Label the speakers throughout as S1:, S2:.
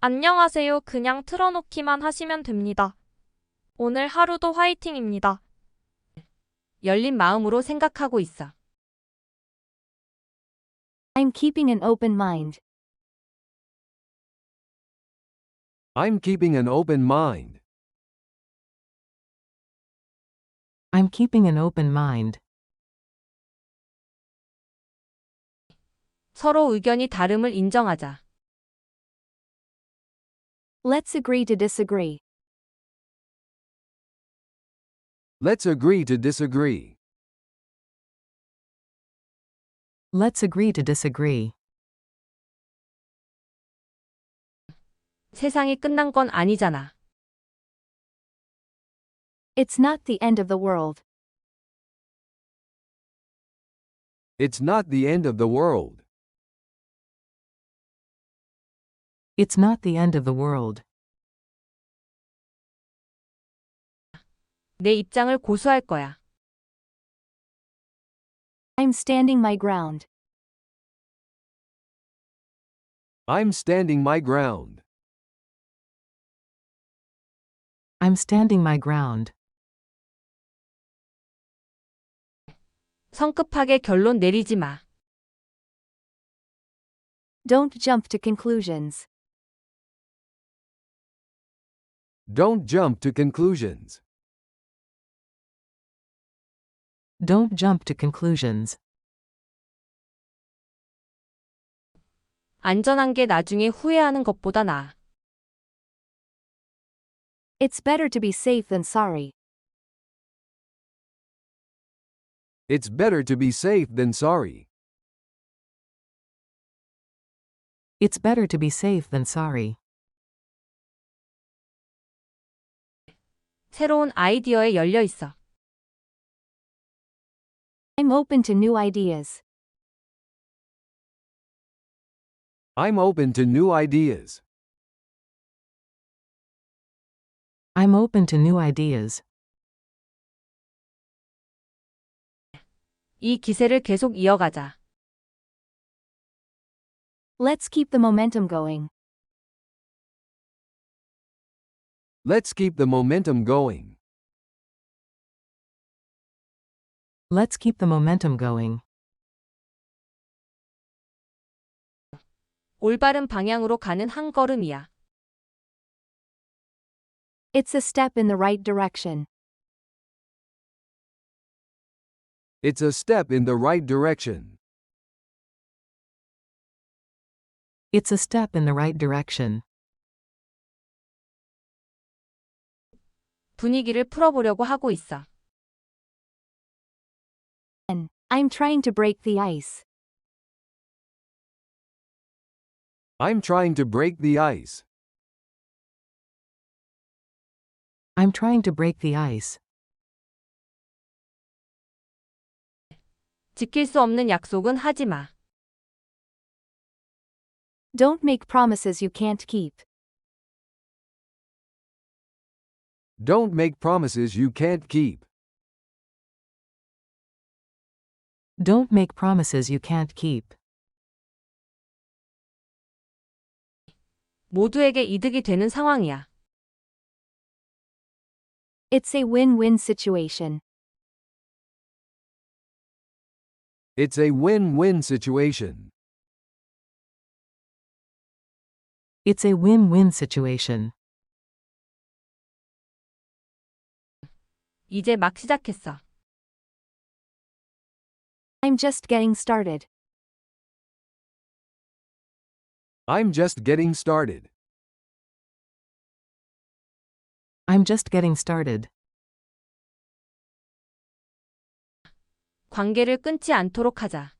S1: 안녕하세요. 그냥 틀어놓기만 하시면 됩니다. 오늘 하루도 화이팅입니다.
S2: 열린 마음으로 생각하고 있어.
S3: I'm keeping an open mind.
S4: I'm keeping an open mind.
S5: I'm keeping an open mind.
S2: 서로 의견이 다름을 인정하자.
S3: Let's agree to disagree.
S4: Let's agree to disagree.
S5: Let's agree to disagree.
S2: 세상이 끝난 건 아니잖아.
S3: It's not the end of the world.
S4: It's not the end of the world.
S5: It's not the end of the world.
S2: 내 입장을 고수할 거야.
S3: I'm standing my ground.
S4: I'm standing my ground.
S5: I'm standing my ground.
S2: 성급하게 결론 내리지 마.
S3: Don't jump to conclusions.
S4: Don't jump to conclusions.
S5: Don't jump to conclusions.
S2: 안전한 게 나중에 후회하는 것보다 나아.
S3: It's better to be safe than sorry.
S4: It's better to be safe than sorry.
S5: It's better to be safe than sorry.
S2: 새로운 아이디어에 열려 있어.
S3: I'm open to new ideas.
S4: I'm open to new ideas.
S5: I'm open to new ideas.
S2: 이 기세를 계속 이어가자.
S3: Let's keep the momentum going.
S4: Let's keep the momentum going.
S5: Let's keep the momentum going.
S2: 올바른 방향으로 가는 한 걸음이야.
S3: It's a step in the right direction.
S4: It's a step in the right direction.
S5: It's a step in the right direction.
S2: 분위기를 풀어보려고 하고 있어.
S3: I'm trying to break the ice.
S4: I'm trying to break the ice.
S5: I'm trying to break the ice.
S2: 지킬 수 없는 약속은 하지 마.
S3: Don't make promises you can't keep.
S4: Don't make promises you can't keep.
S5: Don't make promises you can't keep.
S2: 모두에게 이득이 되는 상황이야.
S3: It's a win-win situation.
S4: It's a win-win situation.
S5: It's a win-win situation.
S2: 이제 막 시작했어.
S3: I'm just getting started.
S4: I'm just getting started.
S5: I'm just getting started.
S2: 관계를 끊지 않도록 하자.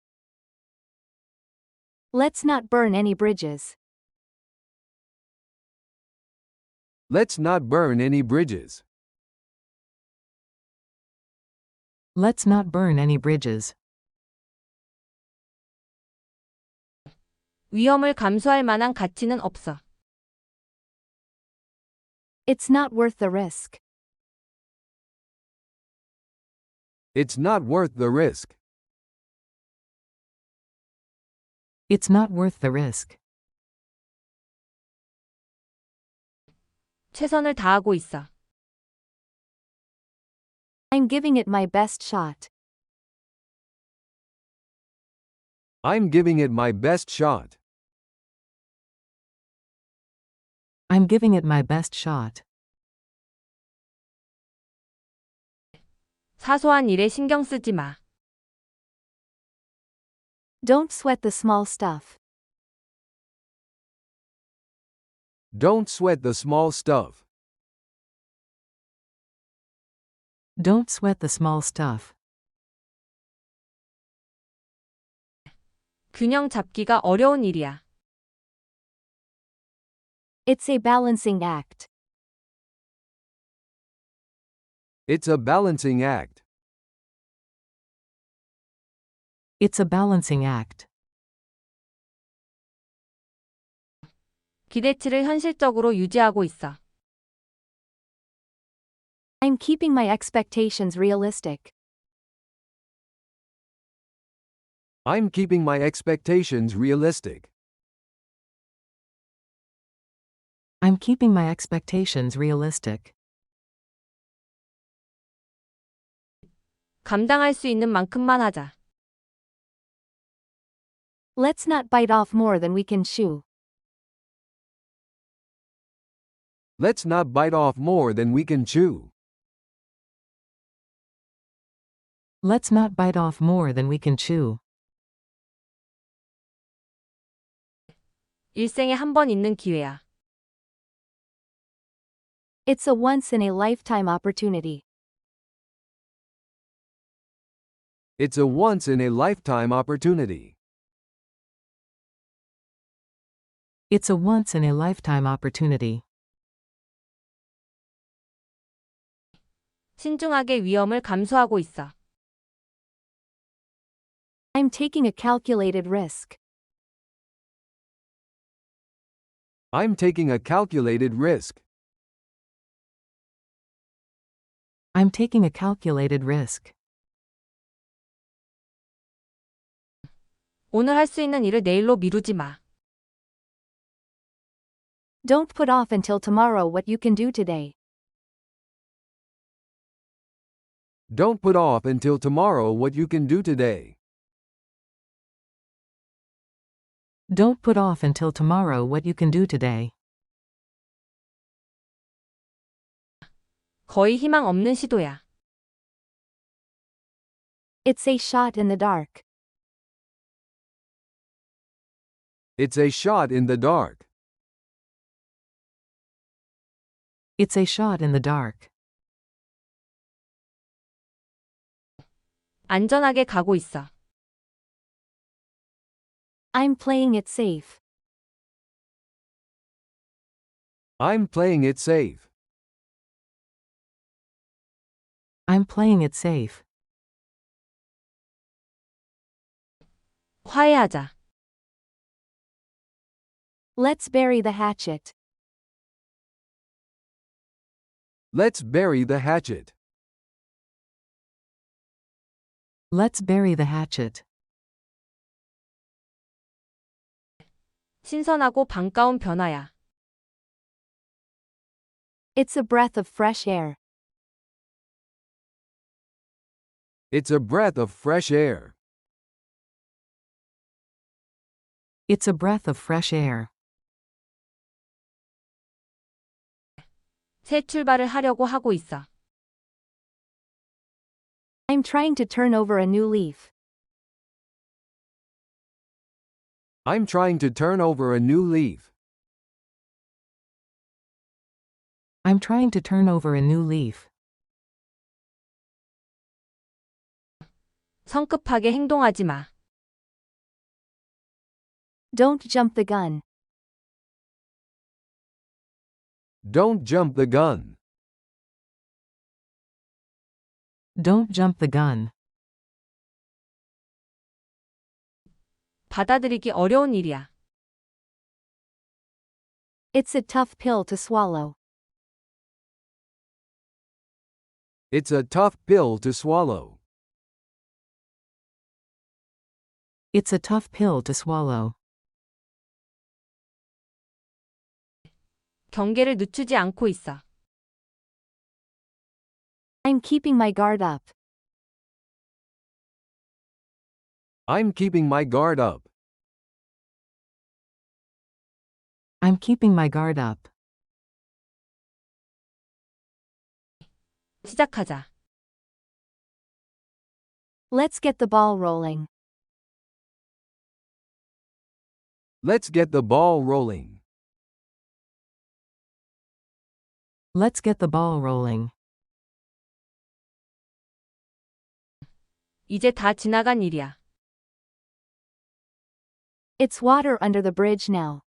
S3: Let's not burn any bridges.
S4: Let's not burn any bridges.
S5: Let's not burn any bridges.
S2: 위험을 감수할 만한 가치는 없어.
S3: It's not worth the risk.
S4: It's not worth the risk.
S5: It's not worth the risk.
S2: 최선을 다하고 있어.
S3: I'm giving it my best shot.
S4: I'm giving it my best shot.
S5: I'm giving it my best shot.
S2: 사소한 일에 신경 쓰지 마.
S3: Don't sweat the small stuff.
S4: Don't sweat the small stuff.
S5: Don't sweat the small stuff.
S2: 균형 잡기가 어려운 일이야.
S3: It's a balancing act.
S4: It's a balancing act.
S5: It's a balancing act.
S2: 기대치를 현실적으로 유지하고 있어.
S3: I'm keeping my expectations realistic.
S4: I'm keeping my expectations realistic.
S5: I'm keeping my expectations realistic.
S2: 감당할 수 있는 만큼만 하자.
S3: Let's not bite off more than we can chew.
S4: Let's not bite off more than we can chew.
S5: Let's not bite off more than we can chew.
S2: 일생에 한 번 있는 기회야.
S3: It's a once-in-a-lifetime opportunity.
S4: It's a once-in-a-lifetime opportunity.
S5: It's a once-in-a-lifetime opportunity.
S2: 신중하게 위험을 감수하고 있어.
S3: I'm taking a calculated risk.
S4: I'm taking a calculated risk.
S5: I'm taking a calculated risk.
S2: 오늘 할 수 있는 일을 내일로 미루지 마.
S3: Don't put off until tomorrow what you can do today.
S4: Don't put off until tomorrow what you can do today.
S5: Don't put off until tomorrow what you can do today.
S2: 거의 희망 없는 시도야.
S3: It's a shot in the dark.
S4: It's a shot in the dark.
S5: It's a shot in the dark.
S2: 안전하게 가고 있어.
S3: I'm playing it safe.
S4: I'm playing it safe.
S5: I'm playing it safe.
S2: 화해하자.
S3: Let's bury the hatchet.
S4: Let's bury the hatchet.
S5: Let's bury the hatchet.
S2: 신선하고 반가운 변화야.
S3: It's a breath of fresh air.
S4: It's a breath of fresh air.
S5: It's a breath of fresh air.
S2: 새 출발을 하려고 하고 있어.
S3: I'm trying to turn over a new leaf.
S4: I'm trying to turn over a new leaf.
S5: I'm trying to turn over a new leaf.
S2: 성급하게 행동하지 마.
S3: Don't jump the gun.
S4: Don't jump the gun.
S5: Don't jump the gun.
S2: 받아들이기 어려운 일이야.
S3: It's a tough pill to swallow.
S4: It's a tough pill to swallow.
S5: It's a tough pill to swallow.
S2: 경계를 늦추지 않고 있어.
S3: I'm keeping my guard up.
S4: I'm keeping my guard up.
S5: I'm keeping my guard up.
S2: 시작하자.
S3: Let's get the ball rolling.
S4: Let's get the ball rolling.
S5: Let's get the ball rolling.
S2: 이제 다 지나간 일이야.
S3: It's water under the bridge now.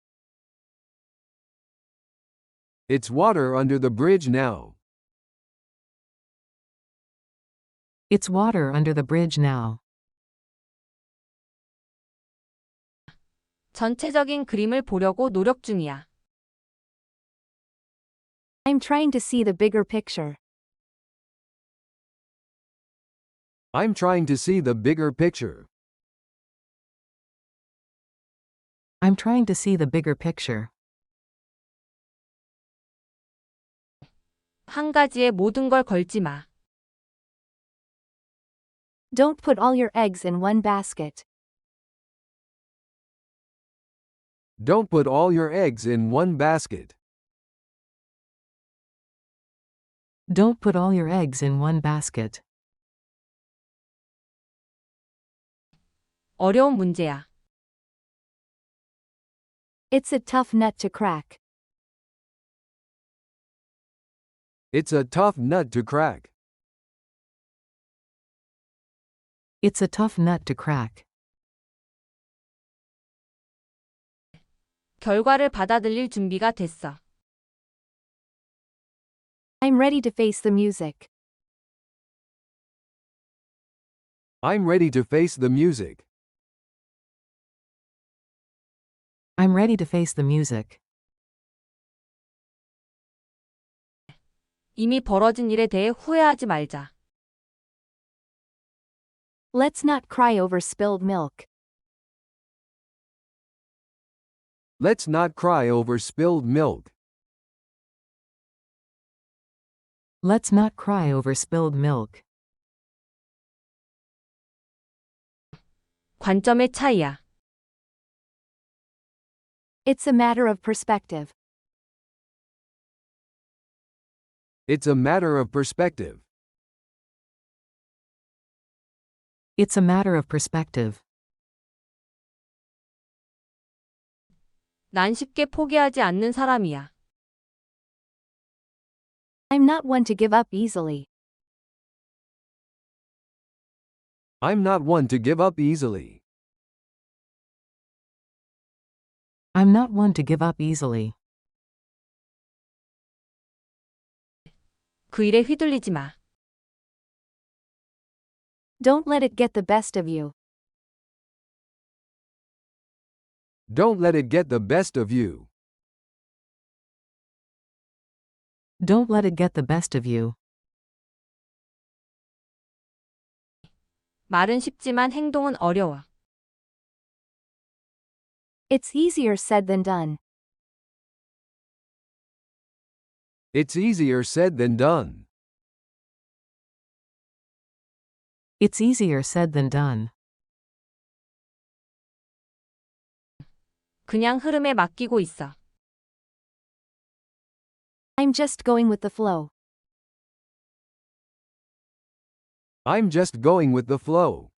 S4: It's water under the bridge now.
S5: It's water under the bridge now.
S2: 전체적인 그림을 보려고 노력 중이야.
S3: I'm trying to see the bigger picture.
S4: I'm trying to see the bigger picture.
S5: I'm trying to see the bigger picture.
S2: 한 가지에 모든 걸 걸지 마.
S3: Don't put all your eggs in one basket.
S4: Don't put all your eggs in one basket.
S5: Don't put all your eggs in one basket.
S2: 어려운 문제야.
S3: It's a tough nut to crack.
S4: It's a tough nut to crack.
S5: It's a tough nut to crack.
S2: 결과를 받아들일 준비가 됐어.
S3: I'm ready to face the music.
S4: I'm ready to face the music.
S5: I'm ready to face the music.
S2: 이미 벌어진 일에 대해 후회하지 말자.
S3: Let's not cry over spilled milk.
S4: Let's not cry over spilled milk.
S5: Let's not cry over spilled milk.
S2: 관점의 차이야.
S3: It's a matter of perspective.
S4: It's a matter of perspective.
S5: It's a matter of perspective.
S2: 난 쉽게 포기하지 않는 사람이야.
S3: I'm not one to give up easily.
S4: I'm not one to give up easily.
S5: I'm not one to give up easily.
S2: 그 일에 휘둘리지 마.
S3: Don't let it get the best of you.
S4: Don't let it get the best of you.
S5: Don't let it get the best of you.
S2: 말은 쉽지만 행동은 어려워.
S3: It's easier said than done.
S4: It's easier said than done.
S5: It's easier said than done.
S2: 그냥 흐름에 맡기고 있어.
S3: I'm just going with the flow.
S4: I'm just going with the flow.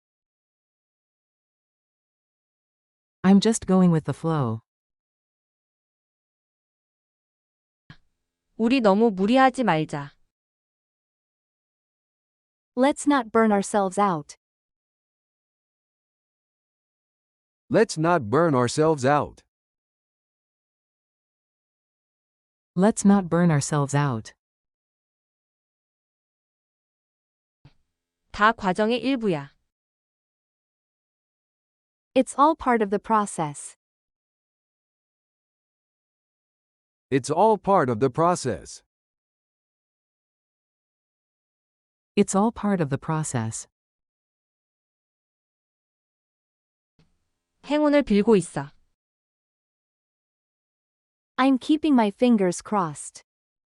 S5: I'm just going with the flow.
S2: 우리 너무 무리하지 말자.
S3: Let's not burn ourselves out.
S4: Let's not burn ourselves out.
S5: Let's not burn ourselves out.
S2: 다 과정의 일부야.
S3: It's all part of the process.
S4: It's all part of the process.
S5: It's all part of the process.
S2: 행운을 빌고 있어.
S3: I'm keeping my fingers crossed.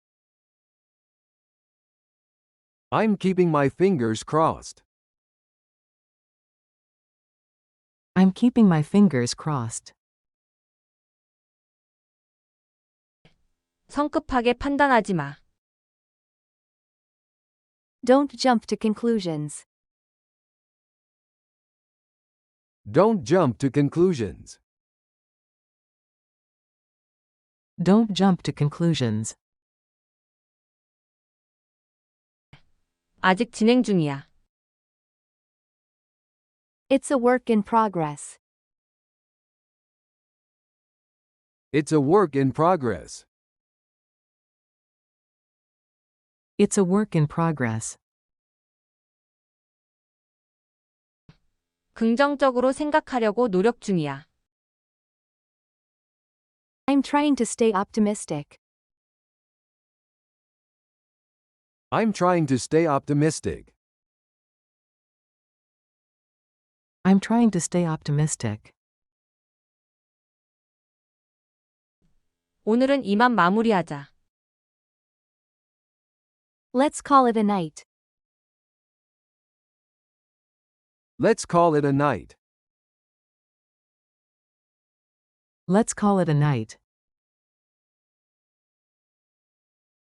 S4: I'm keeping my fingers crossed.
S5: I'm keeping my fingers crossed.
S2: 성급하게 판단하지 마.
S3: Don't jump to conclusions.
S4: Don't jump to conclusions.
S5: Don't jump to conclusions.
S2: 아직 진행 중이야.
S3: It's a work in progress.
S4: It's a work in progress.
S5: It's a work in progress.
S2: 긍정적으로 생각하려고 노력 중이야.
S3: I'm trying to stay optimistic.
S4: I'm trying to stay optimistic.
S5: I'm trying to stay optimistic.
S2: 오늘은 이만 마무리하자.
S3: Let's call it a night.
S4: Let's call it a night.
S5: Let's call it a night.